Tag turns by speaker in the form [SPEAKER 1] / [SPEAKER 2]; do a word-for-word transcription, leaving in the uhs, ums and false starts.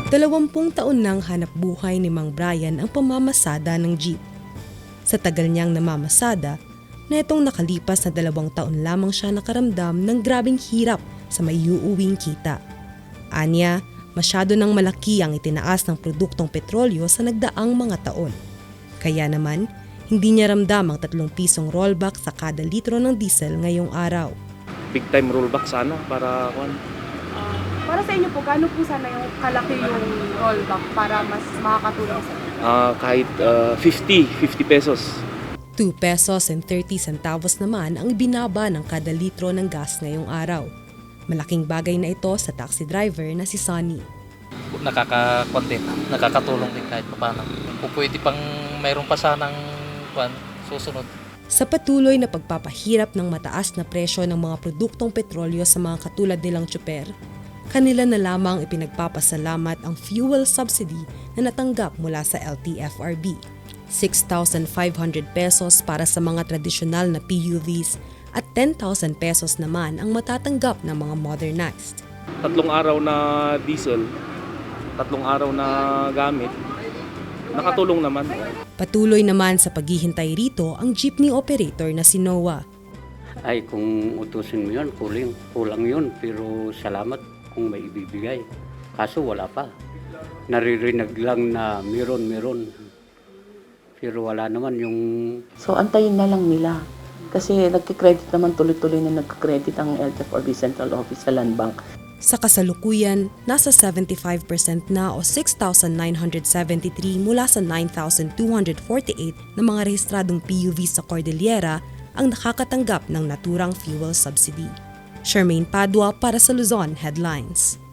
[SPEAKER 1] Dalawampung taon nang hanap buhay ni Mang Brian ang pamamasada ng jeep. Sa tagal niyang namamasada, na itong nakalipas na dalawang taon lamang siya nakaramdam ng grabing hirap sa may uuwing kita. Anya, masyado nang malaki ang itinaas ng produktong petrolyo sa nagdaang mga taon. Kaya naman, hindi niya ramdam ang tatlong pisong rollback sa kada litro ng diesel ngayong araw.
[SPEAKER 2] Big time rollback sana para kung
[SPEAKER 3] Uh, para sa inyo po, gaano po sana yung kalaki yung rollback para mas makakatulong sa inyo?
[SPEAKER 2] uh, kahit uh, fifty pesos.
[SPEAKER 1] two pesos and thirty centavos naman ang ibinaba ng kada litro ng gas ngayong araw. Malaking bagay na ito sa taxi driver na si Sonny.
[SPEAKER 4] Nakaka-content, nakakatulong din kahit paano. Kung pwede pang mayroon pa sanang kwan, susunod.
[SPEAKER 1] Sa patuloy na pagpapahirap ng mataas na presyo ng mga produktong petrolyo sa mga katulad nilang tsuper, kanila na lamang ipinagpapasalamat ang fuel subsidy na natanggap mula sa L T F R B. six thousand five hundred pesos para sa mga tradisyonal na P U Vs at ten thousand pesos naman ang matatanggap ng mga modernized.
[SPEAKER 2] Tatlong araw na diesel, tatlong araw na gamit, nakatulong naman.
[SPEAKER 1] Patuloy naman sa paghihintay rito ang jeepney operator na si Noah.
[SPEAKER 5] Ay, kung utusin mo yun, kulang, kulang yun. Pero salamat kung may ibibigay. Kaso wala pa. Naririnig lang na meron, meron. Pero wala naman yung...
[SPEAKER 6] So, antayin na lang nila. Kasi nagkikredit naman tuloy-tuloy na nagkikredit ang L T F R B Central Office sa Land Bank.
[SPEAKER 1] Sa kasalukuyan, nasa seventy-five percent na o six thousand nine hundred seventy-three mula sa nine thousand two hundred forty-eight na mga rehistradong P U V sa Cordillera ang nakakatanggap ng naturang fuel subsidy. Charmaine Padua para sa Luzon Headlines.